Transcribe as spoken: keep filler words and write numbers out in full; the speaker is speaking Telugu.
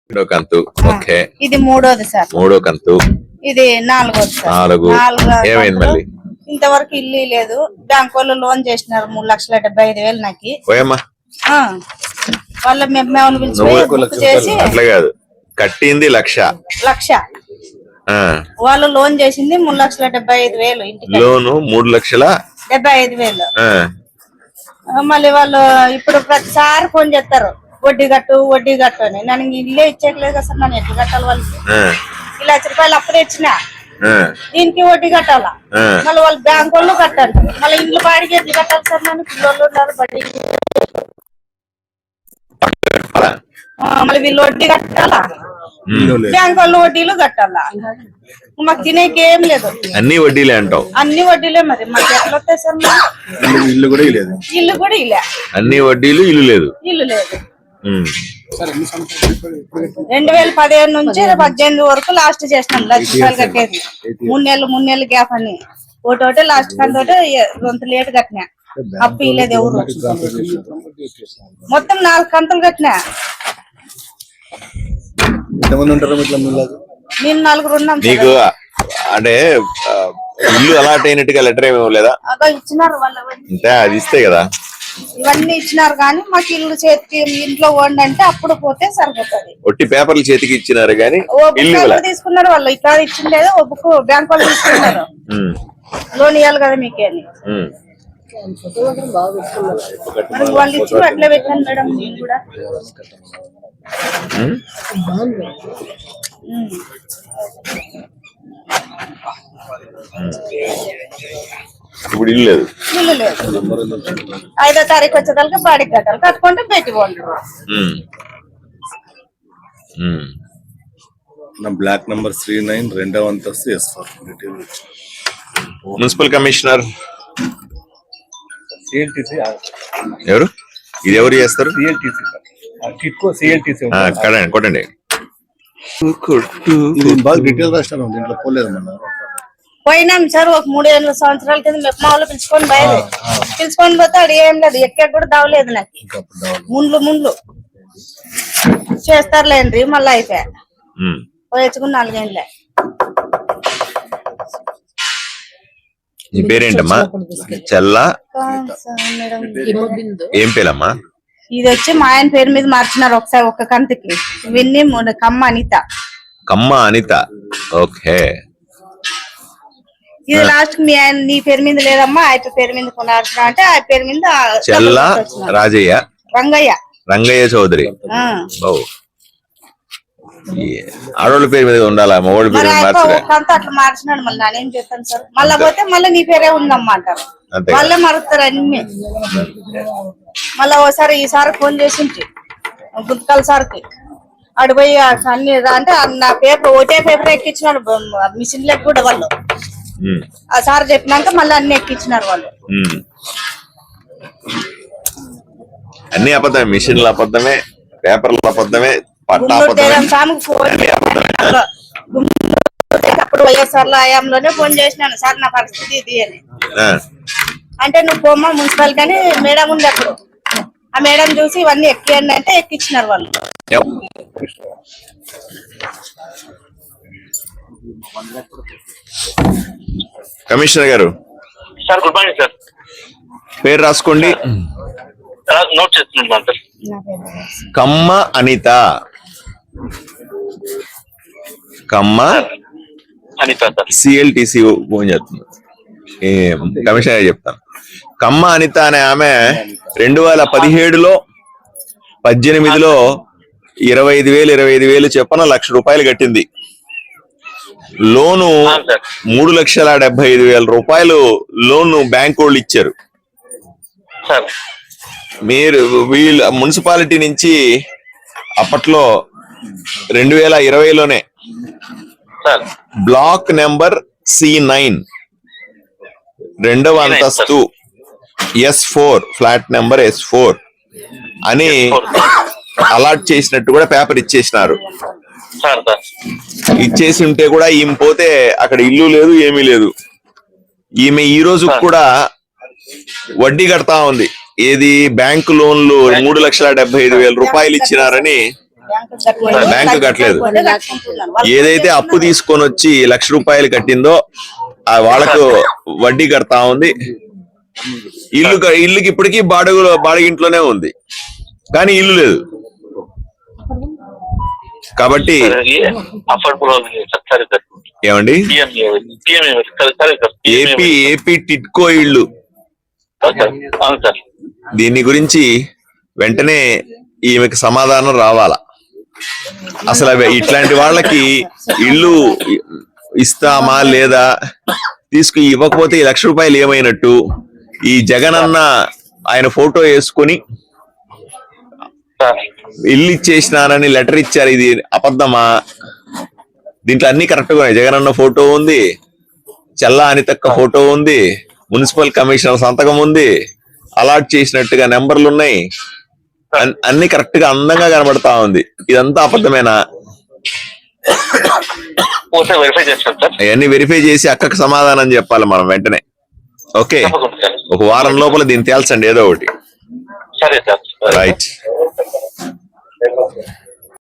రెండో కంతు. ఓకే, ఇది మూడోది సార్. మూడో కంతు. ఇది నాలుగోది సార్. నాలుగు. ఏమైంది మళ్ళీ? ఇంతవరకు ఇల్లు లేదు. బ్యాంక్ వాళ్ళు లోన్ చేసినారు మూడు లక్షల డెబ్బై ఐదు వేలు నాకు. వాళ్ళ మేము పిలిచి చేసి అట్లా కాదు, కట్టింది లక్ష లక్ష వాళ్ళు లోన్ చేసింది మూడు లక్షల డెబ్బై ఐదు వేలు. ఇంటికి లోను మూడు లక్షల డెబ్బై ఐదు వేలు. మళ్ళీ వాళ్ళు ఇప్పుడు ప్రతిసారి ఫోన్ చేస్తారు, వడ్డీ కట్టు వడ్డీ కట్టు అని. నన్ను ఇల్లే ఇచ్చేయలేదు కదా సార్, నన్ను ఎట్లా కట్టాలి వాళ్ళకి? ఈ లక్ష రూపాయలు అప్పుడే ఇచ్చిన, దీనికి వడ్డీ కట్టాలా? మళ్ళీ వాళ్ళు బ్యాంక్ వాళ్ళు కట్టాలి. మళ్ళీ ఇల్లు బాడికి ఎట్లా కట్టాలి సార్? నన్ను పిల్లలు ఉన్నారు, బడ్డీ మళ్ళీ వీళ్ళు వడ్డీ కట్టాలా, బ్యాంక్ వాళ్ళు వడ్డీలు కట్టాలా? మాకు తినేకి ఏం లేదు, అన్ని వడ్డీలే అంటావు. అన్ని వడ్డీలే. మరి మాకు ఎట్లా వస్తాయి సార్? ఇల్లు కూడా లేదు, ఇల్లు కూడా ఇల్లే, అన్ని వడ్డీలు, ఇల్లు లేదు. ఇల్లు లేదు. రెండు వేల పదిహేను నుంచి పద్దెనిమిది వరకు లాస్ట్ చేసినాం లక్ష రూపాయలు కట్టేది. మూడు నెలలు మూడు నెలలు గ్యాప్ అని ఒకటి లాస్ట్ కంటే కొంత లేట్ కట్టినా. అప్పు ఇలేదు ఎవరు. మొత్తం నాలుగు కంతులు కట్టినా. నేను నలుగురు ఉన్నాం. నీకు అంటే ఇల్లు అలాట్ అయినట్టుగా లెటర్ ఏమి ఇవ్వలేదా? ఇచ్చినారు వాళ్ళు, అంటే అది ఇస్తే కదా. ఇవన్నీ ఇచ్చినారు కానీ మాకు ఇల్లు చేతికి ఇంట్లో వండి అంటే అప్పుడు పోతే సరిపోతుంది. ఒట్టి పేపర్లు చేతికి ఇచ్చినారు కానీ తీసుకున్నారు వాళ్ళు. ఇక్కడ ఇచ్చిండేదో ఓ బుక్ బ్యాంక్ వాళ్ళు తీసుకున్నారు. లోన్ ఇవ్వాలి కదా మీకే అని వాళ్ళు ఇచ్చి అట్లే పెట్టాను మేడం. నేను కూడా ఇప్పుడు ఇల్లు లేదు. ఇల్లు లేదు. ఐదో తారీఖు వచ్చేదానికి బాడీకి కట్టాలి, కట్టుకుంటే పెట్టి పోండి. బ్లాక్ నంబర్ త్రీ నైన్ రెండవ అంతస్తు ఎస్ ఫోర్. మున్సిపల్ కమిషనర్ ఎవరు? ఇది ఎవరు చేస్తారు? కొట్టండి. డీటెయిల్ రాష్ట్రం దీంట్లో పోలేదు మన పోయినాం సార్. ఒక మూడు ఏళ్ళ సంవత్సరాల కింద మెప్మా వాళ్ళు పిలుచుకొని బయలు పిలుచుకొని పోతే అది ఏం లేదు, ఎక్కడ కూడా దావలేదు నాకు. ముండ్లు ముండ్లు చేస్తారులేండి. మళ్ళీ అయిపోయా పోయచ్చుకుని నాలుగేళ్ళే. నీ పేరేంటమ్మా? చెల్ల ఏం పేరమ్మా? ఇది వచ్చి మా ఆయన పేరు మీద మార్చినారు ఒకసారి ఒక్క కంతికి. ఇవన్నీ కమ్మ అనిత. కమ్మ అనిత. ఓకే. ఇది లాస్ట్ మీ ఆయన నీ పేరు మీద లేదమ్మా, ఆయన పేరు మీద కొనాల్సిన అంటే ఆ పేరు మీద చెల్ల రాజయ్య రంగయ్య రంగయ్య చౌదరి. ఆడోళ్ళ పేరు మీద ఉండాలా, మగోళ్ళ పేరు అంతా అట్లా మార్చినాడు. మళ్ళీ నేనేం చేస్తాను సార్? మళ్ళా పోతే మళ్ళీ నీ పేరే ఉందమ్మా అంటారు. మళ్ళీ మారుస్తారు అన్ని. మళ్ళా ఓసారి ఈసారి ఫోన్ చేసి గుంతకాల సార్కి అడిపోయి అన్ని అంటే నా పేపర్ ఒకటే పేపర్ ఎక్కించినాడు మిషన్ లెక్క కూడా వాళ్ళు. ఆ సార్ చెప్పినాక మళ్ళీ అన్ని ఎక్కించినారు వాళ్ళు. అన్ని అబద్ధమే, మిషన్లు అబద్ధమే, పేపర్లు అబద్ధమే, అప్పుడు వైఎస్ఆర్ లో హయాంలోనే ఫోన్ చేసినాను, సార్ నా పరిస్థితి ఇది అని. అంటే నువ్వు పోమ్మా మున్సిపాలిటీ అని మేడం ఉంది అప్పుడు. ఆ మేడం చూసి ఇవన్నీ ఎక్కియండి అంటే ఎక్కించినారు వాళ్ళు. కమిషనర్ గారు సార్, గుడ్ మార్నింగ్ సార్. పేరు రాసుకోండి. నోట్ చేస్తున్నాను sir. Kamma Anitha. Kamma Anitha sir. C L T C phone చేస్తుంది. కమిషనర్ చెప్తాను. కమ్మ అనిత అనే ఆమె రెండు వేల పదిహేడులో పద్దెనిమిదిలో ఇరవై ఐదు వేలు ఇరవై ఐదు వేలు చెప్పన లక్ష రూపాయలు కట్టింది. లోను మూడు లక్షల డెబ్బై ఐదు వేల రూపాయలు లోను బ్యాంక్ వాళ్ళు ఇచ్చారు. మీరు వీళ్ళు మున్సిపాలిటీ నుంచి అప్పట్లో రెండు వేల ఇరవైలోనే బ్లాక్ నెంబర్ సి నైన్ రెండవ అంతస్తు S four flat number S four అని అలాట్ చేసినట్టు కూడా పేపర్ ఇచ్చేసినారు. ఇచ్చేసి ఉంటే కూడా ఈమె పోతే అక్కడ ఇల్లు లేదు, ఏమీ లేదు. ఈమె ఈ రోజు కూడా వడ్డీ కడతా ఉంది. ఏది బ్యాంకు లోన్లు మూడు లక్షల డెబ్బై ఐదు వేల రూపాయలు ఇచ్చినారని బ్యాంకు కట్టలేదు. ఏదైతే అప్పు తీసుకొని వచ్చి లక్ష రూపాయలు కట్టిందో ఆ వాళ్ళకు వడ్డీ కడతా ఉంది. ఇల్లు క- ఇల్లుకి ఇప్పటికీ బాడుగు బాడిగింట్లోనే ఉంది, కానీ ఇల్లు లేదు. కాబట్టి అఫోర్డబుల్ హౌసింగ్ సార్. సరే సార్. ఏమండి, పిఎంఏ పిఎంఏ సరే సరే సార్. ఏపీ ఏపీ టిట్కో ఇళ్ళు, సార్ అవును సార్. దీని గురించి వెంటనే ఈమెకి సమాధానం రావాలా. అసలు అవి ఇట్లాంటి వాళ్ళకి ఇల్లు ఇస్తామా లేదా, తీసుకు ఇవ్వకపోతే ఈ లక్ష రూపాయలు ఏమైనట్టు, ఈ జగన్ అన్న ఆయన ఫోటో వేసుకొని సార్ ఇల్లు ఇచ్చేసినానని లెటర్ ఇచ్చారు, ఇది అబద్ధమా? దీంట్లో అన్ని కరెక్ట్ గా ఉన్నాయి. జగన్ అన్న ఫోటో ఉంది, చల్లా అనితక్క ఫోటో ఉంది, మున్సిపల్ కమిషనర్ సంతకం ఉంది, అలాట్ చేసినట్టుగా నెంబర్లు ఉన్నాయి, అన్- అన్ని కరెక్ట్ గా అందంగా కనబడతా ఉంది. ఇదంతా అబద్ధమేనా? ఒకసారి వెరిఫై చేస్తాను సార్. అవన్నీ వెరిఫై చేసి అక్కకు సమాధానం చెప్పాలి మనం వెంటనే. ఓకే, తప్పకుండా సార్. ఒక వారం లోపల దీన్ని తేల్చండి ఏదో ఒకటి. సరే సార్. రైట్.